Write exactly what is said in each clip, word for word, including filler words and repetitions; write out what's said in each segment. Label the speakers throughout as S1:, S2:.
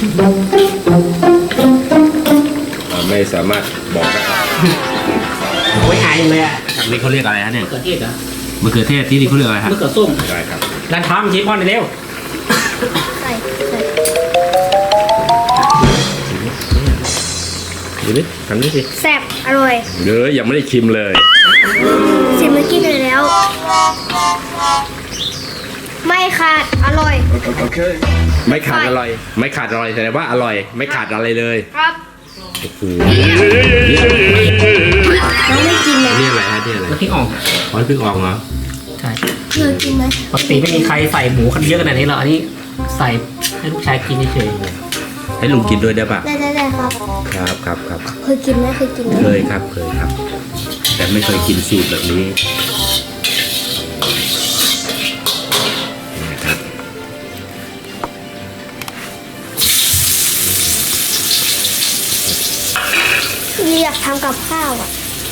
S1: ไม่สามารถบอกได้
S2: โอ้ยหายเลยอ่ะ
S1: นี่เขาเรียกอะไรฮะเนี่ย
S2: มะเขือเทศเหรอ
S1: มะเขือเทศที่นี่เขาเรียกอะไรฮะ
S2: มะเขือส้ม
S1: ได้ครับ
S2: ร้านทำชิปพอนเร็ว
S3: ใส่ใส่
S1: ดูดิทำดิสิ
S3: แซ่บอร่อย
S1: เดี๋ยวยังไม่ได้ชิมเลย
S3: ชิมเมื่อกี้เลยแล้วไม่ขาดอร่อย
S1: โอเคไม่ขาดอร่อยไม่ขาดอร่อยแสดงว่าอร่อยไม่ขาดอะไรเลย
S3: ครับ
S1: โอ้โห
S3: น้องไม่กินเลย
S1: นี่อะไรฮะนี่อะไร
S2: น้ำพริกอ่อง
S1: อ๋อพริกอ่องเหรอ
S2: ใช่
S3: เธอกินไหม
S2: ปกติไม่มีใครใส่หมูกันเยอะขนาดนี้หรอกอันนี้ใส่ให้ลูกชายกินเฉย
S1: ๆให้ลุงกินด้วยได้ปะ
S3: ได้ได้ได้ครับ
S1: ครับครับครับ
S3: เคยกินไหมเคยกินไหม
S1: เคยครับเคยครับแต่ไม่เคยกินสูตรแบบนี้นะครับ
S3: อยากทำกับข้าวอ่ะ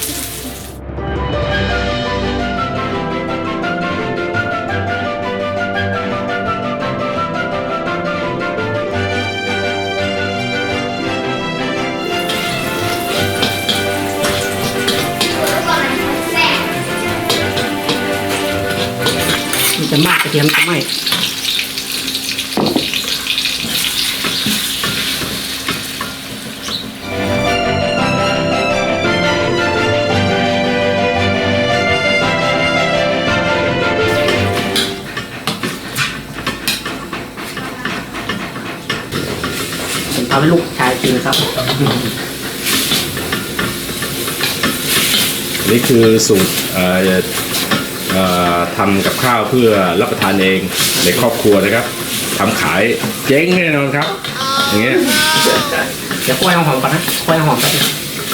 S2: มันจะมากกระเทียมจะไหมทำให้ลูกชายกินครับ
S1: นี่คือสูตรทำกับข้าวเพื่อรับประทานเองในครอบครัวนะครับทำขายเจ๊งแน่นอนครับอย่างเงี้ย
S2: เดี๋ยวกล้วยหอมก่อนนะกล้วยหอมแป๊บนึง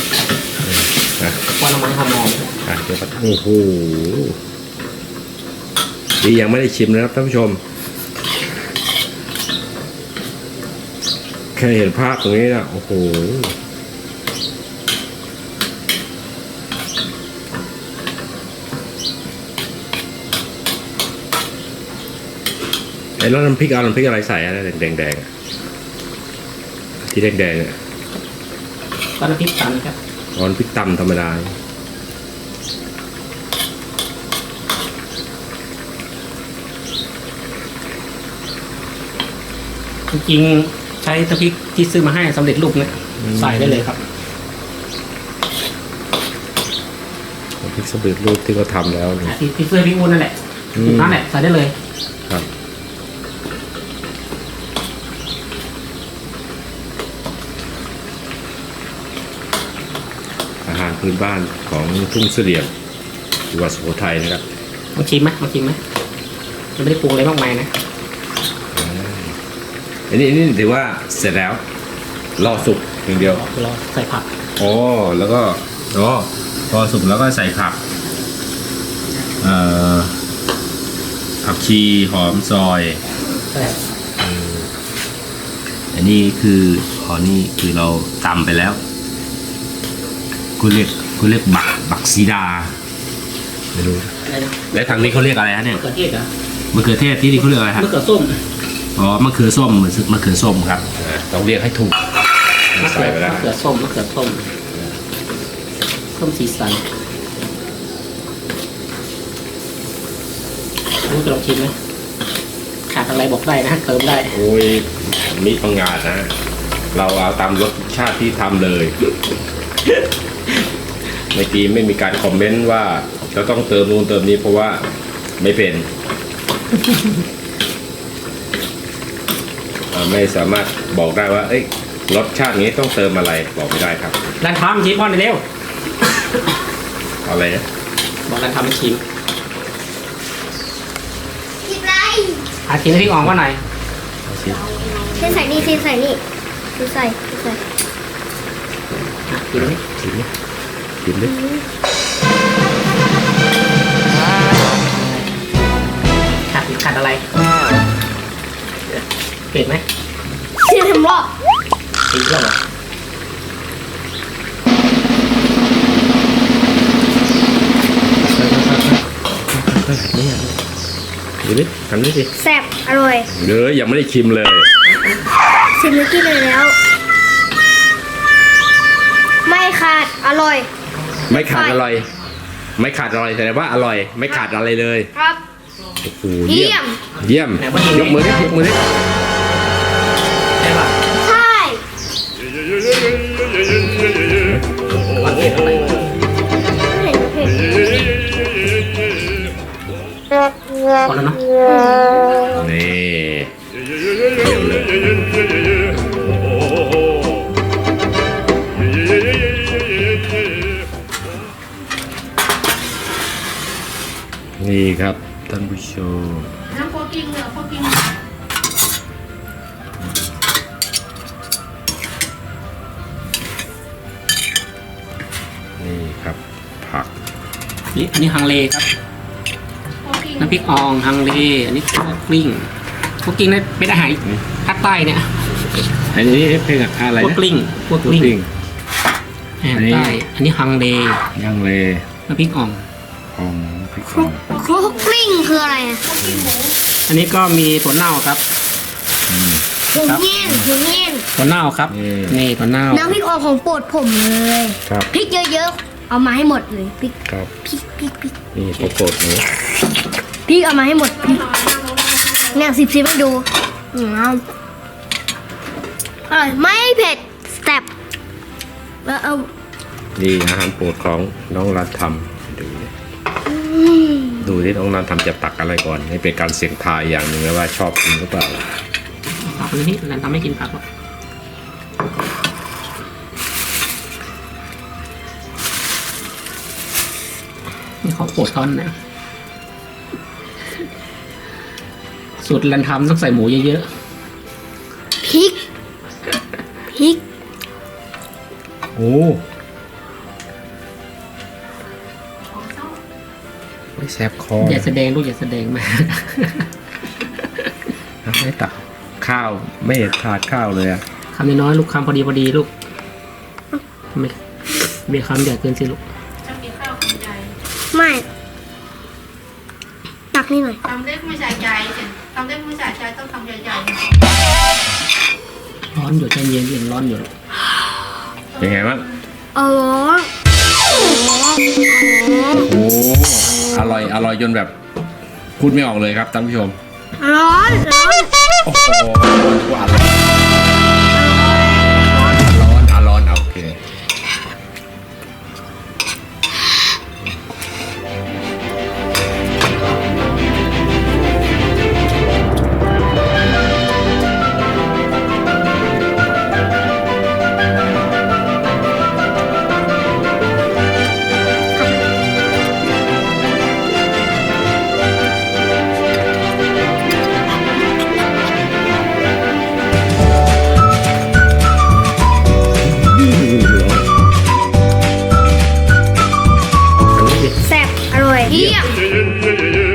S2: กล้วยน้ำมันหอมหอม
S1: เดี๋ยวโอ้โหดียังไม่ได้ชิมนะครับท่านผู้ชมแค่เห็นภาพตรงนี้นะโอ้โหไอ้แล้วน้ำพริกเอาน้ำพริกอะไรใส่อะไรแดงแดงที่แดงแดงเนี่ย
S2: ก็น้ำพริกตำครับ
S1: อ๋อน้ำพริกตำธรรมดา
S2: จริงๆใช้น้ำพริกที่ซื้อมาให้สำเร็จรูปเนี่ยใส่ได้เลยครับ
S1: น้ำพริกสำเร็จรูปที่เขาทำแล้ว
S2: ที่ที่ซื้อพี่อ้วนนั่นแหละนั่นแหละใส่ได้เลย
S1: ครับอาหารพื้นบ้านของทุ่งเสลี่ยมจังหวัดสุโขทัยนะครับ
S2: มาชิมไหมมาชิมไหมมันไม่ได้ปรุงอะไรมากมายนะ
S1: อันนี้อันนี้ถือว่าเสร็จแล้วรอสุกอย่างเดียว
S2: รอใส่ผัก
S1: อ๋อแล้วก็รอพอสุกแล้วก็ใส่ผักเอ่อผักชีหอมซอยอันนี้คืออ๋อนี่คือเราตำไปแล้วคุณเรียกคุณเรียกบักบักซีดาไม่รู้และทางนี้เขาเรียกอะไรฮะเนี่ย
S2: มะเขือเทศเหรอ
S1: มะเขือเทศที่นี่เขาเรียกอะไรฮะ
S2: มะเขือส้ม
S1: อ๋อมะเขือส้มเหมือนมะเขือส้มครับต้องเรียกให้ถูก
S2: ใส่ไปแล้วมะเขือส้มมะเขือส้มส้มสีสันรู้จะลองชิมไหมขาดอะไรบอกได้นะเติมได้
S1: โอ้ยมีปังงาดนะเราเอาตามรสชาติที่ทำเลยเมื่อกี้ไม่มีการคอมเมนต์ว่าเราต้องเติมนู่นเติมนี้เพราะว่าไม่เป็นไม่สามารถบอกได้ว่าเอ้ยรสชาตินี้ต้องเติมอะไรบอกไม่ได้ครับ
S2: ร้านทำชิมพอนเร็ว
S1: อะไรนะ
S2: บอกร้านทำชิม
S3: กินไร
S2: อาชิมให้พี่อ่องว่าหน่อย
S3: เส้นใส่นี่เส้นใส่นี่ดูใส่ดูใส่
S2: กินไหม
S1: กินไหมกินดิ
S2: ขาดขาดอะไรเผ็ดไหม
S3: เสียทำรอบ
S2: อีกแล้วเหรอ
S1: ดูดิทำดิสิ
S3: แซ่บอร่อย
S1: เดี๋ยวยังไม่ได้ชิมเลย
S3: ชิมเมื่อกี้เลยแล้ว ไม่ขาดอร่อย
S1: ไม่ขาดอร่อย ไม่ขาดอร่อยแสดงว่าอร่อย ไม่ขาดอะไรเลย
S3: ครับ
S1: โอ้โห
S3: เยี่ยม
S1: เยี่ยมยกมือดิยกมือดิ
S2: ใช่ป่ะ
S3: ใช่
S2: มันเผ็ดอะไร
S3: เห็นเผ็ด
S2: พอแล้วเนาะ
S1: นี่เยี่ยมเลยนี่ครับท่านผู้ชม
S4: น้ำโคกิ้งเหรอโคกิ้ง
S1: นี่ครับผัก
S2: นี่อันนี้ฮังเลครับ
S4: โคกิ้ง
S2: น้ำพริกอ่องฮังเล อันนี้คั่วกลิ้งคั่วกลิ้งนี่เป็นอาหารภาคใต้เนี่ย
S1: อันนี้เพลงอะไร
S2: คั่ว
S1: นะ
S2: กลิ้งคั่วก
S1: คั่ว
S2: ลิ้ง
S1: กลิ้ง
S2: อาหารใต้ อันนี้ฮังเล
S1: ย่างเล
S2: น้ำพริกอ่อง
S1: ของพริก
S3: ค
S1: ข
S3: ลุ
S1: อก ง
S3: คลุกกลิ้งคืออะไรอ่ะ
S2: อันนี้ก็มีถั่วเน่าครับ
S3: หูเงี้ยนหูเงี้ยน
S2: ถั่วเน่าครับ นี่ถั่วเน่า
S3: น้ำพริกออกของโปรดผมเลย
S1: ครับ
S3: พริกเยอะๆ เอามาให้หมดเลยพริก
S1: ครับ
S3: พริกพริกพริก
S1: นี่โปรโกดหนู
S3: พริกเอามาให้หมดพริกเนี่ยสิบสิบให้ดูอืมอร่อยไม่เผ็ดแซ่บแล้วเอา
S1: นี่อาหารโปรดของน้องรัฐทำดูดิดูที่น้องรัฐทำจะตักอะไรก่อนนี่เป็นการเสี่ยงทายอย่างหนึ่งนะว่าชอบกินหรือเปล่า
S2: ผักนี่นั่นทำให้กินผักหรอกนี่เขาโปรดเขานะสูตรรันทำต้องใส่หมูเยอะ
S3: พริกพริก
S1: โอ้ไม่แสบคอ
S2: ๆอย่าแสดงลูกอย่าแสดงมาก
S1: ไม่ตักข้าวไม่เห็นถาดข้าวเลยอะ
S2: คำน้อยๆลูกคำพอดีพอดีลูกทำไมมีคำใหญ่เกินสิลูก
S4: จะกินข้าวคำใหญ่
S3: ไม่ตักนี่หน่อย
S4: ทำเล็กไม่ใส่ใจสิทำเล็กไม่ใส่ใจต้องทำใหญ่
S2: ร้อนอยู่ใจเย็นเย็นร้อนอยู่ลูก
S1: เป็นไงบ้าง
S3: อ๋อ
S1: โอ้อร่อยอร่อยจนแบบพูดไม่ออกเลยครับท่านผู้ชม
S3: ร้อนร้อน
S1: โอ้โหหวานเลยร้อนอ่ะร้อนอ่ะโอเค
S3: แซ่บอร่อยเยี่ยม
S1: เ